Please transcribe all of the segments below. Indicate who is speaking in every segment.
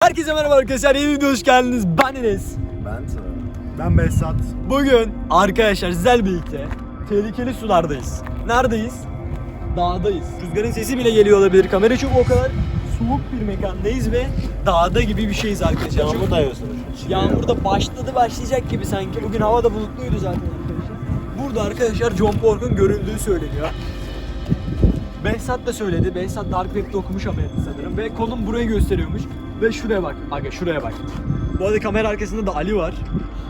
Speaker 1: Herkese merhaba arkadaşlar, yeni videoya hoş geldiniz. Ben Enes.
Speaker 2: Ben Behzat.
Speaker 1: Bugün arkadaşlar sizlerle birlikte tehlikeli sulardayız. Neredeyiz? Dağdayız. Rüzgarın sesi bile geliyor olabilir kamera, çünkü o kadar soğuk bir mekandayız ve dağda gibi bir şeyiz arkadaşlar.
Speaker 2: Yağmur da yağıyorsun.
Speaker 1: Yağmur da başlayacak gibi sanki. Bugün hava da bulutluydu zaten arkadaşlar. Burada arkadaşlar John Pork'un görüldüğü söyleniyor. Behzat da söyledi. Behzat Dark Web'de okumuş haberini sanırım. Ve konum burayı gösteriyormuş. Ve şuraya bak. Aga şuraya bak. Bu arada kamera arkasında da Ali var.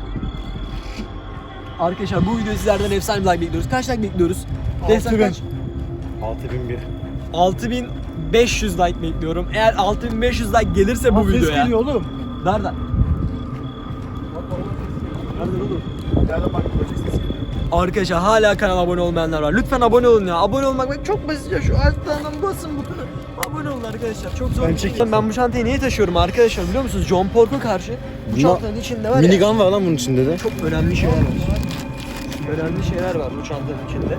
Speaker 1: Arkadaşlar bu videoyu sizlerden efsane bir like bekliyoruz. Kaç like bekliyoruz? Behzat kaç?
Speaker 2: 6001.
Speaker 1: 6500 like bekliyorum. Eğer 6500 like gelirse bu videoya.
Speaker 2: Ses geliyor oğlum.
Speaker 1: Nereden? Nereden oğlum?
Speaker 2: Nereden bak böyle ses geliyor.
Speaker 1: Arkadaşlar hala kanala abone olmayanlar var. Lütfen abone olun ya. Abone olmak bak çok basit ya. Şu alttan basın butonu. Abone olun arkadaşlar. Çok zor. Ben bu çantayı niye taşıyorum arkadaşlar biliyor musunuz? John Pork'a karşı bu çantanın içinde var ya.
Speaker 2: Minigun var lan bunun içinde de.
Speaker 1: Çok önemli şeyler var. Önemli şeyler var bu çantanın içinde.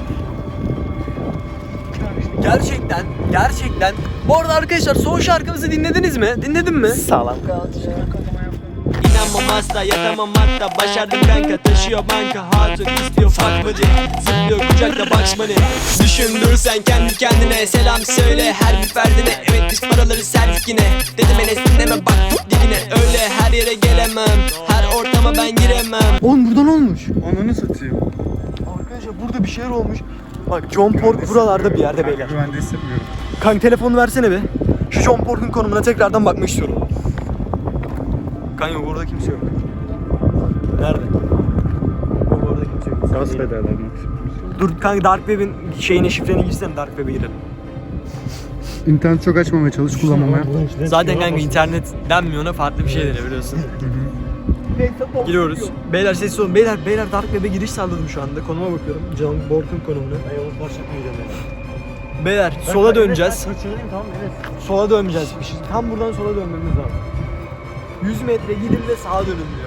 Speaker 1: Gerçekten. Bu arada arkadaşlar son şarkımızı dinlediniz mi? Dinledin mi?
Speaker 2: Sağlam.
Speaker 1: İnanmam asla, yatamam hatta. Başardım kanka, taşıyor banka. Hatun istiyor fuck buddy. Zıplıyor kucakta Bugs Bunny. Düşündür sen kendi kendine. Selam söyle her bir ferdine. Evet biz paraları serdik yine. Dedim Enes dinleme bak tut dibine. Öyle her yere gelemem. Her ortama ben giremem. Oğlum buradan olmuş.
Speaker 2: Ananı satayım.
Speaker 1: Arkadaşlar burada bir şeyler olmuş. Bak John Pork buralarda bir yerde beyler.
Speaker 2: Güvende hissetmiyorum.
Speaker 1: Kanka telefonu versene be. Şu John Pork'un konumuna tekrardan bakmak istiyorum. Kanka burada kimse yok. Nerede? Orada kimse yok.
Speaker 2: Gaz pedallarını.
Speaker 1: Dur kanka Dark Web'in şeyine şifreni girsene, Dark Web'e girelim.
Speaker 2: İnternet çok açmamaya çalış, kullanmamaya.
Speaker 1: Zaten kanka internet denmiyor, ona farklı bir şey deniyor biliyorsun. Giriyoruz. Beyler sessiz olun. Beyler Dark Web'e giriş sağladım şu anda. Konuma bakıyorum. John Pork'un konumuna. Beyler sola döneceğiz.
Speaker 2: Tamam evet.
Speaker 1: Sola döneceğiz. Tam buradan sola dönmemiz lazım. 100 metre gidin de sağa dönün diyor.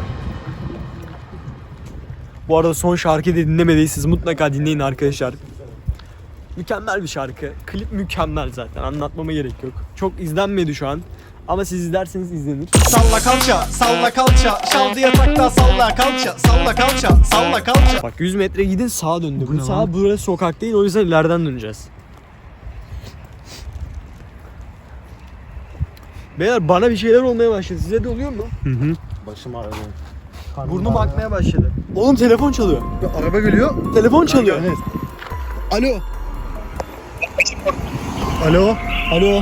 Speaker 1: Bu arada son şarkıyı da dinlemediyseniz mutlaka dinleyin arkadaşlar. Mükemmel bir şarkı. Klip mükemmel zaten. Anlatmama gerek yok. Çok izlenmedi şu an. Ama siz izlerseniz izlenir.
Speaker 3: Salla kalça, salla kalça, şaldı yatakta salla kalça, salla kalça, salla kalça.
Speaker 1: Bak 100 metre gidin sağa döndü. Bu sağ burası sokak değil, o yüzden ileriden döneceğiz. Beyler bana bir şeyler olmaya başladı. Size de oluyor mu?
Speaker 2: Başım ağrıyor.
Speaker 1: Burnum akmaya başladı. Oğlum telefon çalıyor.
Speaker 2: Araba geliyor.
Speaker 1: Telefon çalıyor.
Speaker 2: Evet.
Speaker 1: Alo.
Speaker 2: Alo.
Speaker 1: Alo.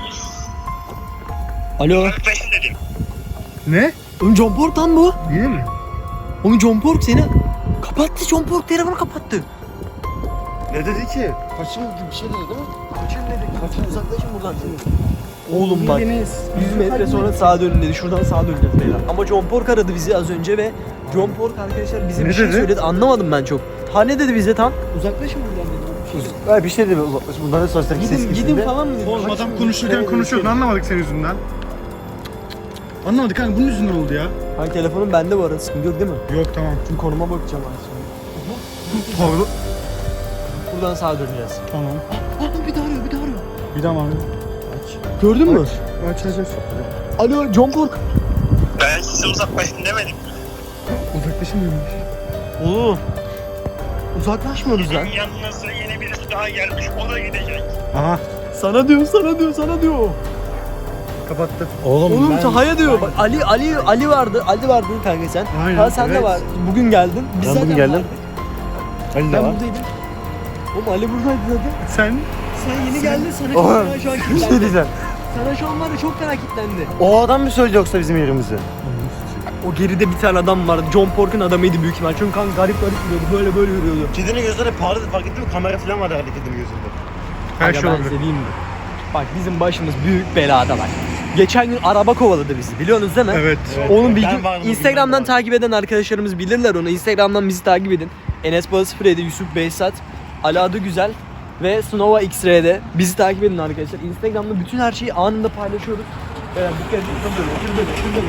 Speaker 1: Alo.
Speaker 2: Ne?
Speaker 1: Oğlum John Pork lan bu.
Speaker 2: Yine mi?
Speaker 1: Oğlum John Pork seni kapattı. John Pork telefonu kapattı.
Speaker 2: Ne dedi ki? Kaçın gibi bir şey dedi değil mi?
Speaker 1: Kaçın dedi. Kaçın, uzaklaşın buradan. Oğlum bak 100 metre sonra sağa dönün dedi. Şuradan sağa döneceğiz beyler. Ama John Pork aradı bizi az önce ve John Pork arkadaşlar bize
Speaker 2: Ne
Speaker 1: bir şey
Speaker 2: dedi?
Speaker 1: söyledi. Anlamadım ben çok. Ha ne dedi bize tam? Uzaklaşın buradan dedi.
Speaker 2: Bir şey dedi. Bundan sonra
Speaker 1: Gidin falan mı dedi?
Speaker 2: Oğlum
Speaker 1: Kaçın
Speaker 2: adam
Speaker 1: dedi.
Speaker 2: konuşurken konuşuyordu, anlamadık senin yüzünden. Anlamadık kanka, bunun yüzünden oldu ya.
Speaker 1: Hani telefonum bende bu arada, sıkıntı yok değil mi?
Speaker 2: Yok tamam.
Speaker 1: Çünkü konuma bakacağım az sonra.
Speaker 2: Pardon.
Speaker 1: Buradan sağa döneceğiz.
Speaker 2: Tamam.
Speaker 1: Bir daha arıyor.
Speaker 2: Bir daha mı?
Speaker 1: Gördün mü?
Speaker 2: Aç.
Speaker 1: Alo John Pork.
Speaker 4: Ben size uzaklaşın demedim.
Speaker 2: Uzaklaşamıyormuş.
Speaker 1: Oğlum. Uzaklaşmıyoruz lan.
Speaker 4: Benim yanınıza yeni birisi daha gelmiş, o da gidecek.
Speaker 2: Aha.
Speaker 1: Sana diyor.
Speaker 2: Kapattı. Oğlum,
Speaker 1: Oğlum Taha'ya diyor. Bak Ali vardı. Ali vardı kanka sen.
Speaker 2: Aynen,
Speaker 1: Ha sen de
Speaker 2: evet.
Speaker 1: var. Bugün geldin. Biz
Speaker 2: Ben
Speaker 1: zaten
Speaker 2: bugün geldim.
Speaker 1: vardık.
Speaker 2: Ali de
Speaker 1: Ben
Speaker 2: var.
Speaker 1: buradaydım. Oğlum Ali buradaydı zaten.
Speaker 2: Sen?
Speaker 1: Sen yeni geldin. Sana
Speaker 2: Oğlum,
Speaker 1: çok fena şu an
Speaker 2: bir şey
Speaker 1: kilitlendi.
Speaker 2: diyeceğim.
Speaker 1: Sana şu an var ya çok fena kilitlendi.
Speaker 2: O adam mı söyledi yoksa bizim yerimizi?
Speaker 1: O geride bir tane adam vardı. John Pork'un adamıydı büyük ihtimal. Çünkü kanka garip yürüyordu. Böyle yürüyordu.
Speaker 2: Kedinin gözleri parladı, fark ettin mi? Kamera falan vardı herhalde kedinin gözünde. Her
Speaker 1: Kanka
Speaker 2: şey
Speaker 1: ben
Speaker 2: olabilir.
Speaker 1: seveyim mi? Bak bizim başımız büyük belada bak. Geçen gün araba kovaladı bizi, biliyorsunuz değil mi?
Speaker 2: Evet.
Speaker 1: Onun bir
Speaker 2: Ben
Speaker 1: gün
Speaker 2: vardım,
Speaker 1: Instagram'dan
Speaker 2: ben vardım.
Speaker 1: takip eden arkadaşlarımız bilirler onu. Instagram'dan bizi takip edin. Enes Balı 07, Yusuf Behzat, Ali Adı Güzel ve Snova X-Ray'de bizi takip edin arkadaşlar. Instagram'da bütün her şeyi anında paylaşıyoruz. Dikkat edin. Şurada.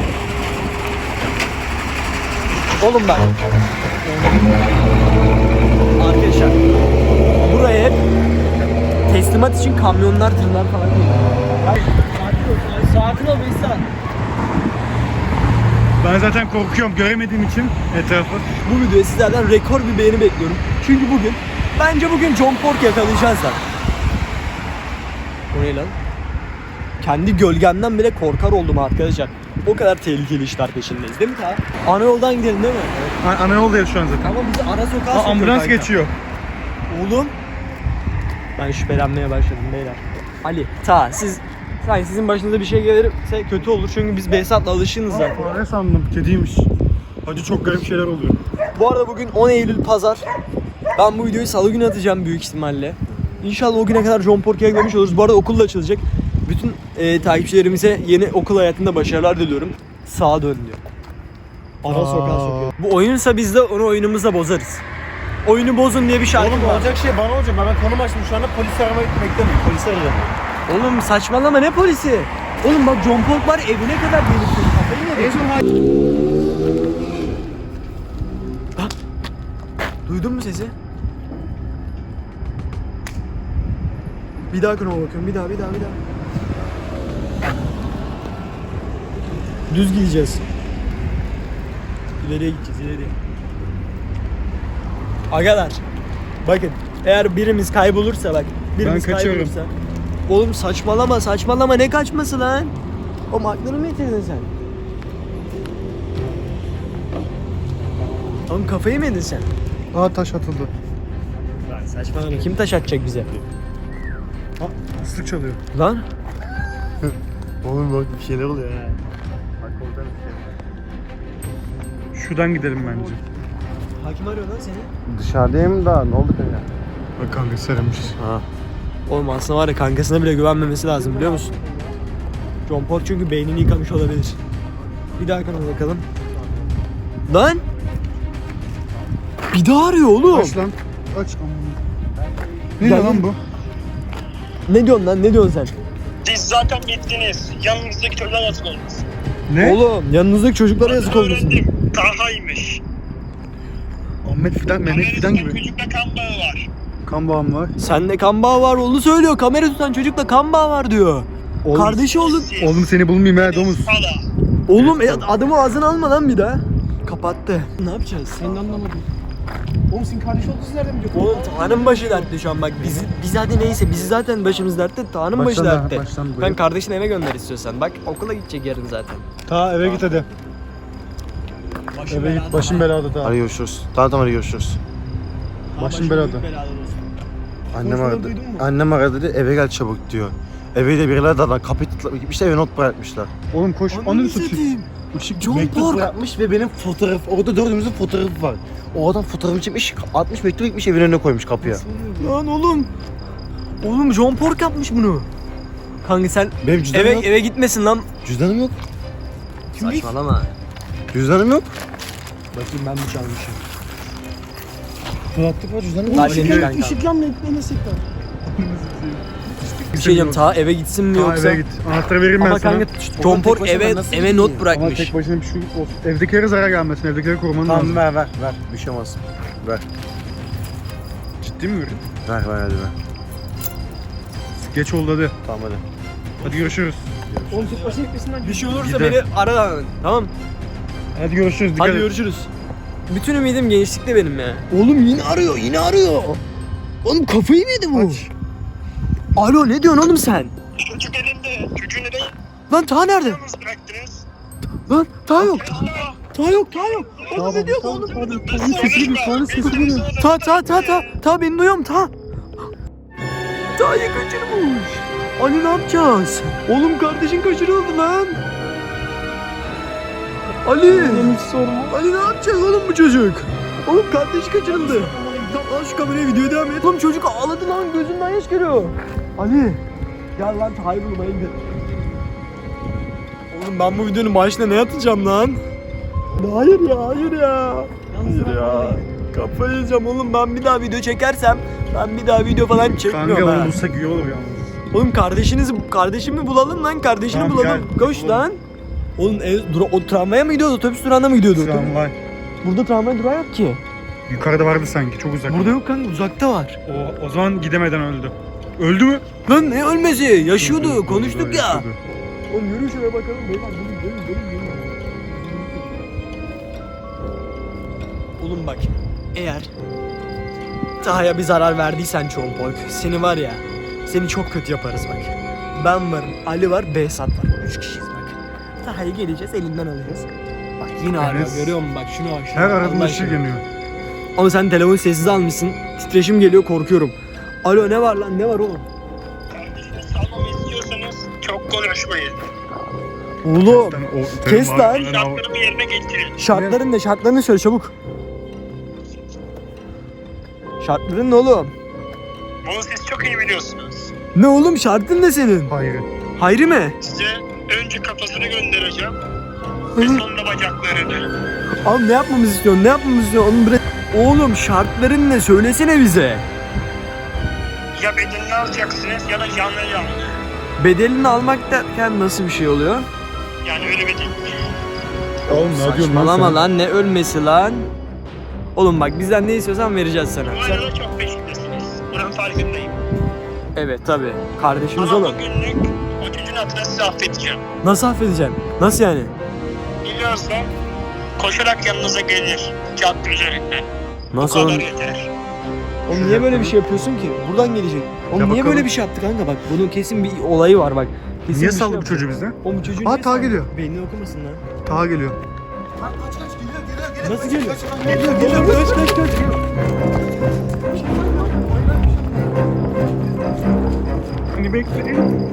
Speaker 1: Oğlum bak. Arkadaşlar buraya hep teslimat için kamyonlar, tırlar falan geliyor. Sakin ol Behzat.
Speaker 2: Ben zaten korkuyorum göremediğim için etrafı.
Speaker 1: Bu videoya sizlerden rekor bir beğeni bekliyorum. Çünkü bence bugün John Pork yakalayacağız lan. O ne lan? Kendi gölgemden bile korkar oldum arkadaşlar. O kadar tehlikeli işler peşindeyiz değil mi ta? Ana yoldan gidelim değil mi?
Speaker 2: Ana yoldayız şu an zaten.
Speaker 1: Ama bizi ara sokağa
Speaker 2: Aa,
Speaker 1: sokuyor
Speaker 2: ambulans
Speaker 1: kanka.
Speaker 2: geçiyor.
Speaker 1: Oğlum. Ben şüphelenmeye başladım beyler. Ali, siz sanki sizin başınıza bir şey gelirse kötü olur çünkü biz Behzat'la alışığız zaten.
Speaker 2: Ne sandım? Kediymiş. Hacı çok garip şeyler oluyor.
Speaker 1: Bu arada bugün 10 Eylül Pazar. Ben bu videoyu salı günü atacağım büyük ihtimalle. İnşallah o güne kadar John Pork'u yakalamış oluruz. Bu arada okul da açılacak. Bütün takipçilerimize yeni okul hayatında başarılar diliyorum. Sağa dön diyor. Ara sokağa sokuyor. Bu oyunsa biz de onu oyunumuzla bozarız. Oyunu bozun diye bir şarkı var.
Speaker 2: olacak şey bana olacak. Ben konum açtım şu anda polis aramayı beklemiyorum. Polis arayacağım.
Speaker 1: Oğlum saçmalama ne polisi? Oğlum bak John Pork var evine kadar gelip kafayı yedi. Bak. Duydun mu sesi? Bir daha konuma bakıyorum. Bir daha. Düz gideceğiz. İleriye gideceğiz, ileriye. Agalar. Bakın. Eğer birimiz kaybolursa bak. Birimiz
Speaker 2: Ben kaçıyorum.
Speaker 1: kaybolursa. Oğlum saçmalama ne kaçması lan? Oğlum aklını mı yitirdin sen? Oğlum kafayı mı yedin sen?
Speaker 2: Aa taş atıldı.
Speaker 1: Lan saçmalama kim taş atacak bize?
Speaker 2: Aa ıslık çalıyor.
Speaker 1: Lan?
Speaker 3: Oğlum bak bir şeyler oluyor ha.
Speaker 2: Şuradan gidelim bence.
Speaker 1: Hakim arıyor lan seni.
Speaker 3: Dışarıdayım da ne oldu kanka?
Speaker 2: Bak kanka sarılmış.
Speaker 1: Oğlum aslında var ya kankasına bile güvenmemesi lazım biliyor musun? John Pork çünkü beynini yıkamış olabilir. Bir daha kanala bakalım. Lan! Bir daha arıyor oğlum.
Speaker 2: Aç lan. Aç. Ne
Speaker 1: Gel
Speaker 2: lan bu?
Speaker 1: Ne diyorsun lan? Ne diyorsun sen?
Speaker 4: Siz zaten gittiniz. Yanınızdaki çocuğa yazık olmuş.
Speaker 2: Ne?
Speaker 1: Oğlum yanınızdaki çocuklara yazık olmasın.
Speaker 4: Öğrendim. Taha'ymış.
Speaker 2: Ahmet Fidan, Mehmet Fidan gibi.
Speaker 4: Çocukta kan bağı var.
Speaker 2: Kan bağım var.
Speaker 1: Sende kan bağı var onu söylüyor. Kamera tutan çocukla kan bağı var diyor.
Speaker 2: Oğlum,
Speaker 1: Kardeşi oldun.
Speaker 4: Siz.
Speaker 2: Oğlum seni bulmayayım ha domuz.
Speaker 4: Sala.
Speaker 1: Oğlum adımı ağzına alma lan bir daha. Kapattı. Ne yapacağız? Senin anlamadım.
Speaker 2: Oğlum senin kardeş olduğunu siz nereden biliyorsun?
Speaker 1: Oğlum Tanrı'nın başı dertte şu an bak biz hadi neyse bizi zaten başımız dertte Tanrı'nın başı dertte. Ben kardeşini eve gönder istiyorsan bak okula gidecek yarın zaten.
Speaker 2: Ta eve git hadi. Eve git başım belada ta.
Speaker 3: Hadi görüşürüz. Tamam hadi görüşürüz.
Speaker 2: Başım belada.
Speaker 3: Annem aradı. Annem aradı dedi eve gel çabuk diyor. Eve de birileri de kapıyı tıklayıp gitmişler ve not bırakmışlar.
Speaker 2: Oğlum koş. Ananı satayım.
Speaker 1: John
Speaker 3: Mektup
Speaker 1: Pork.
Speaker 3: bırakmış ve benim fotoğraf, orada dördümüzün fotoğrafı var. O adam fotoğrafı çekmiş, 60 mektup gitmiş evin önüne koymuş kapıya.
Speaker 1: Lan oğlum. Oğlum John Pork yapmış bunu. Kanka sen
Speaker 3: Benim cüzdanım yok.
Speaker 1: eve gitmesin lan.
Speaker 3: Cüzdanım yok.
Speaker 1: Saçmalama.
Speaker 3: Cüzdanım yok.
Speaker 1: Bakayım ben mi çalmışım?
Speaker 3: Kulaklık var cüzdanım yok.
Speaker 1: Hadi kanka.
Speaker 2: Işıklanma eklemesek lan.
Speaker 1: Bir şey diyeceğim ta eve gitsin mi
Speaker 2: Ta
Speaker 1: yoksa?
Speaker 2: eve git. Anahtarı vereyim ben
Speaker 1: Ama
Speaker 2: sana.
Speaker 1: kanka John Pork
Speaker 3: başına
Speaker 1: eve
Speaker 3: ben nasıl
Speaker 1: eve
Speaker 3: gideyim
Speaker 1: not
Speaker 3: ya?
Speaker 2: Ama
Speaker 1: bırakmış.
Speaker 2: tek başına bir şey olsun. Evdekilere zarar gelmesin. Evdekileri koruman lazım.
Speaker 3: Tamam ver. Bir şey olmaz. Ver.
Speaker 2: Ciddi mi veriyorsun?
Speaker 3: Ver hadi ver.
Speaker 2: Geç oldu hadi.
Speaker 3: Tamam hadi.
Speaker 2: Hadi görüşürüz.
Speaker 1: Oğlum tek başına gitmesinden bir şey olursa
Speaker 2: Gider.
Speaker 1: beni ara lan. Tamam.
Speaker 2: Hadi görüşürüz. Dikkat
Speaker 1: Hadi
Speaker 2: et.
Speaker 1: görüşürüz. Bütün ümidim gençlikte benim ya. Oğlum yine arıyor. Oğlum kafayı mı yedi bu?
Speaker 2: Aç.
Speaker 1: Alo ne diyorsun oğlum sen?
Speaker 4: Çocuk elinde. Çocuğu neden
Speaker 1: Lan ta nerede?
Speaker 4: yalnız bıraktınız?
Speaker 1: Lan ta yok.
Speaker 4: Allah.
Speaker 1: Ta yok. Oğlum ne diyor bu oğlum? Ta beni duyuyorum ta. Ta'yı kaçırmış. Ali ne yapacağız? Oğlum kardeşin kaçırıldı lan. Ali. Ali ne yapacağız oğlum bu çocuk? Oğlum kardeşi kaçırıldı. Tamam al şu kameraya videoya devam et. Oğlum çocuk ağladı lan gözünden yaş geliyor. Ali. Gel lan Ta'yı bulmaya gidelim. Oğlum ben bu videonun başına ne atacağım lan? Hayır ya. Kafayı yiyeceğim oğlum ben bir daha video çekersem ben bir daha video falan çekmiyorum
Speaker 2: Kanka
Speaker 1: ha.
Speaker 2: onu bulsak iyi olur yalnız.
Speaker 1: Oğlum kardeşimi bulalım lan kardeşini
Speaker 2: Tamam,
Speaker 1: bulalım.
Speaker 2: gel.
Speaker 1: Koş lan. Oğlum o tramvaya mı gidiyordu? Otobüs durağına mı gidiyordu?
Speaker 2: Tramvay.
Speaker 1: Burada tramvay durağı yok ki.
Speaker 2: Yukarıda vardı sanki çok uzak.
Speaker 1: Burada yok kanka uzakta var.
Speaker 2: O zaman gidemeden öldü. Öldü mü?
Speaker 1: Lan ne ölmesi? Yaşıyordu konuştuk ya.
Speaker 2: Yaşıyordu.
Speaker 1: Oğlum yürü şuraya bakalım. Beyler gelin. Oğlum bak, eğer Taha'ya bir zarar verdiysen Çompolk, seni var ya, seni çok kötü yaparız bak. Ben varım, Ali var, Behzat var. 3 kişiyiz bak. Taha'yı geleceğiz, elinden alacağız. Bak yine arıyor,
Speaker 2: Evet.
Speaker 1: görüyor musun bak, şuna bak. Şuna
Speaker 2: Her
Speaker 1: bak,
Speaker 2: aradığında
Speaker 1: Allah
Speaker 2: ışık
Speaker 1: aşkına.
Speaker 2: yanıyor.
Speaker 1: Ama sen telefonu sessiz almışsın, titreşim geliyor, korkuyorum. Alo, ne var lan, ne var oğlum?
Speaker 4: Kardeşini salmamı istiyorsanız çok konuşmayın.
Speaker 1: Oğlum, kes lan.
Speaker 4: Şartlarımı yerine getirin.
Speaker 1: Şartların ne? Şartlarını söyle çabuk. Şartların ne oğlum?
Speaker 4: Bunu siz çok iyi biliyorsunuz.
Speaker 1: Ne oğlum, şartın ne senin?
Speaker 2: Hayır.
Speaker 1: Hayri mi?
Speaker 4: Size önce kafasını göndereceğim. Ve sonra bacaklarını.
Speaker 1: Abi ne yapmamızı istiyorsun? Ne yapmamızı istiyorsun? Onu bırak. Oğlum şartların ne? Söylesene bize.
Speaker 4: Ya bedenini alacaksınız ya da canlı canlı.
Speaker 1: Bedelini almak derken nasıl bir şey oluyor?
Speaker 4: Yani öyle bir değil.
Speaker 2: Oğlum ne diyorsun lan
Speaker 1: Saçmalama
Speaker 2: sen?
Speaker 1: lan, ne ölmesi lan? Oğlum bak, bizden ne istiyorsan vereceğiz sana.
Speaker 4: Bu
Speaker 1: Sen...
Speaker 4: arada çok peşindesiniz. Bunun farkındayım.
Speaker 1: Evet tabi. Kardeşimiz
Speaker 4: Ama
Speaker 1: oğlum.
Speaker 4: bugünlük o çocuğun adına size affedeceğim.
Speaker 1: Nasıl affedeceğim? Nasıl yani?
Speaker 4: Biliyorsam koşarak yanınıza gelir. Cadde üzerinden.
Speaker 1: Nasıl
Speaker 4: Bu
Speaker 1: oğlum?
Speaker 4: kadar yeter.
Speaker 1: Oğlum niye böyle bir şey yapıyorsun ki? Buradan gelecek. Oğlum
Speaker 2: Ya
Speaker 1: niye
Speaker 2: bakalım.
Speaker 1: böyle bir şey yaptı kanka bak. Bunun kesin bir olayı var bak. Kesin
Speaker 2: Niye
Speaker 1: bir şey
Speaker 2: saldı bu
Speaker 1: yaptı.
Speaker 2: çocuğu bizden?
Speaker 1: Oğlum bu çocuğu
Speaker 2: Aa,
Speaker 1: niye
Speaker 2: Taha
Speaker 1: saldı?
Speaker 2: geliyor.
Speaker 1: Beynini okumasın lan.
Speaker 2: Taha geliyor.
Speaker 1: Nasıl geliyor? Geliyor kaç.
Speaker 2: Seni bekleyin.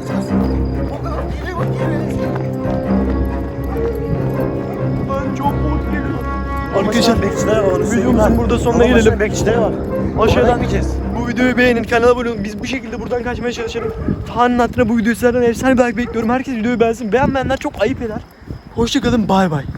Speaker 1: Arkadaşlar videomuzun burada sonuna gelelim.
Speaker 3: Bekçileri var.
Speaker 1: Aşağıdan bu videoyu beğenin, kanala abone olun. Biz bu şekilde buradan kaçmaya çalışalım. Taha'nın hatırına bu videoyu sizlerden efsane bir like bekliyorum. Herkes videoyu beğensin. Beğenmeyenler çok ayıp eder. Hoşçakalın, bay bay.